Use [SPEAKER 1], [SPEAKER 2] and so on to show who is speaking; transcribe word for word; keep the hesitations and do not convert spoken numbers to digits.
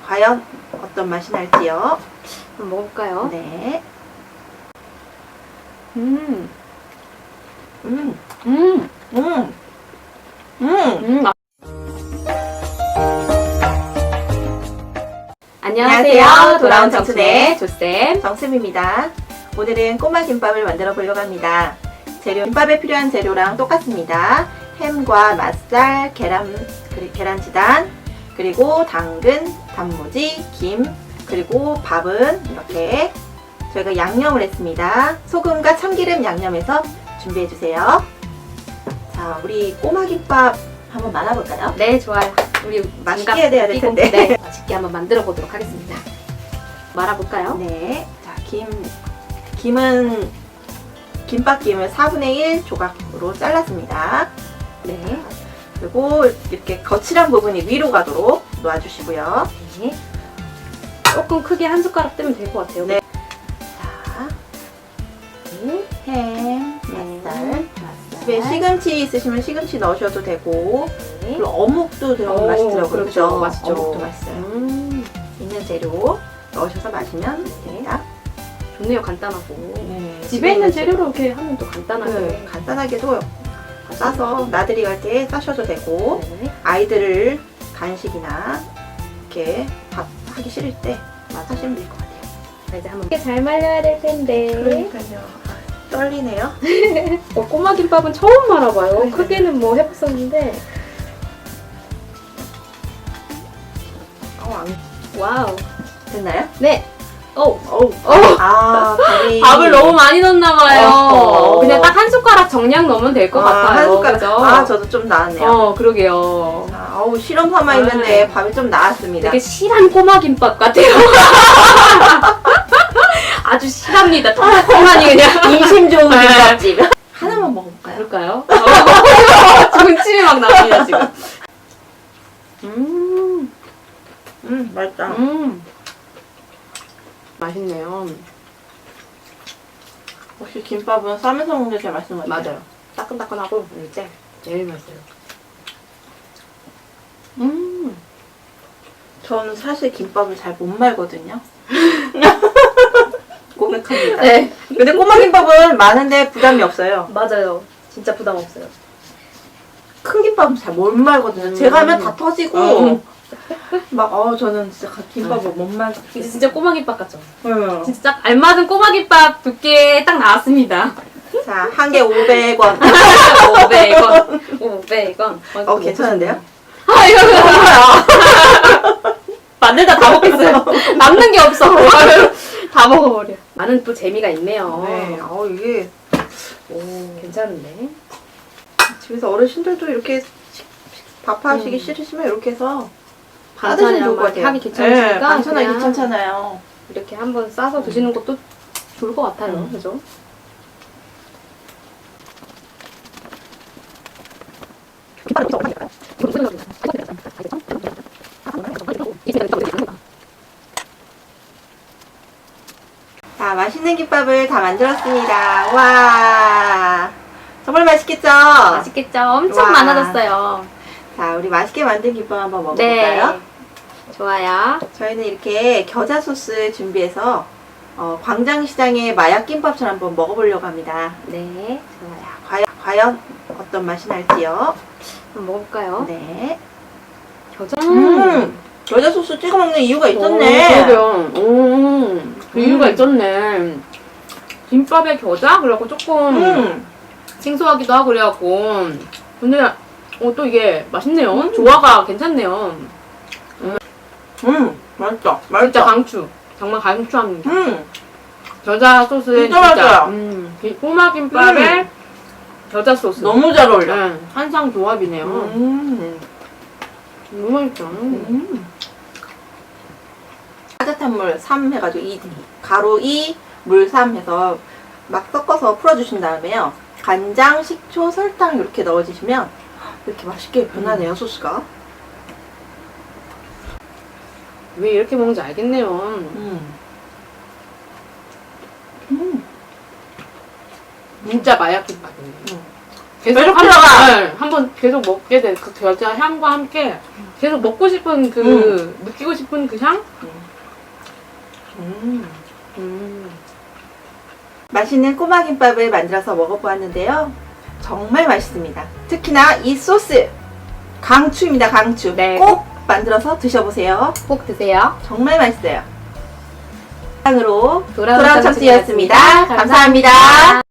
[SPEAKER 1] 과연 어떤 맛이 날지요?
[SPEAKER 2] 한번 먹어볼까요?
[SPEAKER 1] 네.
[SPEAKER 2] 음,
[SPEAKER 1] 음,
[SPEAKER 2] 음,
[SPEAKER 1] 음, 음.
[SPEAKER 2] 음. 아.
[SPEAKER 1] 안녕하세요.
[SPEAKER 2] 안녕하세요.
[SPEAKER 1] 돌아온
[SPEAKER 2] 돌아온
[SPEAKER 1] 정순의
[SPEAKER 2] 정순의 조쌤.
[SPEAKER 1] 정쌤입니다. 오늘은 꼬마 김밥을 만들어 보려고 합니다. 재료, 김밥에 필요한 재료랑 똑같습니다. 햄과 맛살, 계란, 그리, 계란지단, 그리고 당근, 단무지, 김, 그리고 밥은 이렇게 저희가 양념을 했습니다. 소금과 참기름 양념해서 준비해주세요. 자, 우리 꼬마 김밥 한번 말아볼까요?
[SPEAKER 2] 네, 좋아요. 우리
[SPEAKER 1] 맛있게 해야 돼야 될 텐데.
[SPEAKER 2] 네, 맛있게 한번 만들어 보도록 하겠습니다. 말아볼까요?
[SPEAKER 1] 네. 자, 김, 김은, 김밥김을 사분의 일 조각으로 잘랐습니다.
[SPEAKER 2] 네.
[SPEAKER 1] 그리고 이렇게 거칠한 부분이 위로 가도록 놓아주시고요.
[SPEAKER 2] 네. 조금 크게 한 숟가락 뜨면 될 것 같아요.
[SPEAKER 1] 네. 자,
[SPEAKER 2] 네.
[SPEAKER 1] 햄,
[SPEAKER 2] 네.
[SPEAKER 1] 맛살. 집에 시금치 있으시면 시금치 넣으셔도 되고,
[SPEAKER 2] 네.
[SPEAKER 1] 그리고 어묵도 들어가면
[SPEAKER 2] 오,
[SPEAKER 1] 맛있더라고요.
[SPEAKER 2] 그렇죠.
[SPEAKER 1] 그죠?
[SPEAKER 2] 맛있죠.
[SPEAKER 1] 어묵도 맛있어요.
[SPEAKER 2] 음,
[SPEAKER 1] 있는 재료 넣으셔서 마시면 됩니다.
[SPEAKER 2] 좋네요. 간단하고.
[SPEAKER 1] 네,
[SPEAKER 2] 집에 있는 재료로 이렇게 하면 또 간단하게.
[SPEAKER 1] 네, 간단하게도 싸서 나들이 갈 때 싸셔도 되고,
[SPEAKER 2] 네.
[SPEAKER 1] 아이들을 간식이나 이렇게 밥 하기 싫을 때 하시면 될 것 같아요.
[SPEAKER 2] 자, 이제 한번 잘 말려야 될 텐데.
[SPEAKER 1] 그러니까요. 떨리네요.
[SPEAKER 2] 어, 꼬마 김밥은 처음 말아봐요.
[SPEAKER 1] 네.
[SPEAKER 2] 크게는 뭐 해봤었는데.
[SPEAKER 1] 어, 안
[SPEAKER 2] 와우.
[SPEAKER 1] 됐나요?
[SPEAKER 2] 네. 오.
[SPEAKER 1] 어우.
[SPEAKER 2] 어.
[SPEAKER 1] 아, 밥이.
[SPEAKER 2] 밥을 너무 많이 넣었나봐요.
[SPEAKER 1] 어허.
[SPEAKER 2] 그냥 딱 한 숟가락 정량 넣으면 될 것
[SPEAKER 1] 아,
[SPEAKER 2] 같아요.
[SPEAKER 1] 한 숟가락.
[SPEAKER 2] 그죠?
[SPEAKER 1] 아, 저도 좀 나았네요.
[SPEAKER 2] 어, 그러게요.
[SPEAKER 1] 자, 어우, 실험 삼아
[SPEAKER 2] 네.
[SPEAKER 1] 있는데 밥이 좀 나았습니다.
[SPEAKER 2] 되게 실한 꼬마 김밥 같아요. 아주 실합니다. 통통하니 그냥.
[SPEAKER 1] 인심 좋은
[SPEAKER 2] 네.
[SPEAKER 1] 김밥집. 하나만 먹어볼까요?
[SPEAKER 2] 그럴까요? 지금 침이 막 납니다, 지금. 음,
[SPEAKER 1] 음, 맛있다.
[SPEAKER 2] 음. 맛있네요.
[SPEAKER 1] 역시 김밥은 싸면서 먹는 게 제일 맛있는 것 같아요.
[SPEAKER 2] 맞아요. 따끈따끈하고 이제 제일 맛있어요. 음.
[SPEAKER 1] 저는 사실 김밥을 잘 못 말거든요. 고백합니다.
[SPEAKER 2] 네,
[SPEAKER 1] 근데 꼬마 김밥은 많은데 부담이 없어요.
[SPEAKER 2] 맞아요. 진짜 부담 없어요.
[SPEAKER 1] 큰 김밥은 잘 못 말거든요.
[SPEAKER 2] 음.
[SPEAKER 1] 제가 하면 다 터지고
[SPEAKER 2] 음.
[SPEAKER 1] 막 어 저는 진짜 김밥을 못 말.
[SPEAKER 2] 이제 진짜 꼬마 김밥 같죠?
[SPEAKER 1] 응.
[SPEAKER 2] 진짜 딱 알맞은 꼬마 김밥 두께 딱 나왔습니다.
[SPEAKER 1] 자, 한 개 오백 원.
[SPEAKER 2] 오백 원. 오백 원.
[SPEAKER 1] 어, 괜찮은데요?
[SPEAKER 2] 아, 이거 만들다 다 먹겠어요. 남는 게 없어. 다 먹어버려. 나는 또 재미가 있네요.
[SPEAKER 1] 네. 어, 이게
[SPEAKER 2] 오, 괜찮은데?
[SPEAKER 1] 집에서 어르신들도 이렇게 식- 식- 밥하시기
[SPEAKER 2] 음.
[SPEAKER 1] 싫으시면 이렇게 해서 싸드시면
[SPEAKER 2] 반찬이랑
[SPEAKER 1] 좋을 것
[SPEAKER 2] 막
[SPEAKER 1] 같아요.
[SPEAKER 2] 하기 귀찮으니까
[SPEAKER 1] 네, 반찬하기
[SPEAKER 2] 그냥
[SPEAKER 1] 귀찮잖아요.
[SPEAKER 2] 이렇게 한번 싸서 드시는 것도 좋을 것 같아요.
[SPEAKER 1] 음.
[SPEAKER 2] 그죠?
[SPEAKER 1] 자, 맛있는 김밥을 다 만들었습니다. 와, 정말 맛있겠죠?
[SPEAKER 2] 맛있겠죠? 엄청
[SPEAKER 1] 와.
[SPEAKER 2] 많아졌어요.
[SPEAKER 1] 자, 우리 맛있게 만든 김밥 한번 먹어볼까요?
[SPEAKER 2] 네. 좋아요.
[SPEAKER 1] 저희는 이렇게 겨자 소스 준비해서 어, 광장시장의 마약 김밥처럼 한번 먹어보려고 합니다.
[SPEAKER 2] 네. 좋아요.
[SPEAKER 1] 과연, 과연 어떤 맛이 날지요?
[SPEAKER 2] 한번 먹어볼까요?
[SPEAKER 1] 네.
[SPEAKER 2] 겨자.
[SPEAKER 1] 음, 겨자 소스 찍어 먹는 이유가 있었네.
[SPEAKER 2] 오, 그러게요. 오, 그 이유가 있었네. 김밥에 겨자? 그래갖고 조금
[SPEAKER 1] 음,
[SPEAKER 2] 생소하기도 하고 그래갖고. 근데 어, 또 이게 맛있네요.
[SPEAKER 1] 음.
[SPEAKER 2] 조화가 괜찮네요.
[SPEAKER 1] 음, 맛있다.
[SPEAKER 2] 진짜
[SPEAKER 1] 맛있다.
[SPEAKER 2] 강추. 정말 강추합니다.
[SPEAKER 1] 음,
[SPEAKER 2] 겨자 소스에
[SPEAKER 1] 진짜 맛있어요.
[SPEAKER 2] 음, 이 꼬마 김밥에
[SPEAKER 1] 음.
[SPEAKER 2] 겨자 소스.
[SPEAKER 1] 너무 잘 어울려.
[SPEAKER 2] 네, 한상 조합이네요.
[SPEAKER 1] 음,
[SPEAKER 2] 너무 맛있죠.
[SPEAKER 1] 음. 따뜻한 물 삼 해가지고 이 가루 이, 물 삼 해서 막 섞어서 풀어주신 다음에요. 간장, 식초, 설탕 이렇게 넣어주시면 이렇게 맛있게 변하네요, 소스가.
[SPEAKER 2] 왜 이렇게 먹는지 알겠네요.
[SPEAKER 1] 음. 음.
[SPEAKER 2] 진짜 마약 김밥이네요.
[SPEAKER 1] 음.
[SPEAKER 2] 계속
[SPEAKER 1] 계속
[SPEAKER 2] 한
[SPEAKER 1] 들어가.
[SPEAKER 2] 번, 네, 한번 계속 먹게 돼. 그 겨자 향과 함께 계속 먹고 싶은 그 느끼고 싶은 그 향.
[SPEAKER 1] 음.
[SPEAKER 2] 음.
[SPEAKER 1] 맛있는 꼬마 김밥을 만들어서 먹어보았는데요. 정말 맛있습니다. 특히나 이 소스 강추입니다. 강추.
[SPEAKER 2] 네.
[SPEAKER 1] 꼭 만들어서 드셔보세요.
[SPEAKER 3] 꼭 드세요.
[SPEAKER 1] 정말 맛있어요. 으로
[SPEAKER 3] 돌아온
[SPEAKER 1] 돌아온
[SPEAKER 3] 참치였습니다.
[SPEAKER 1] 참치였습니다. 감사합니다.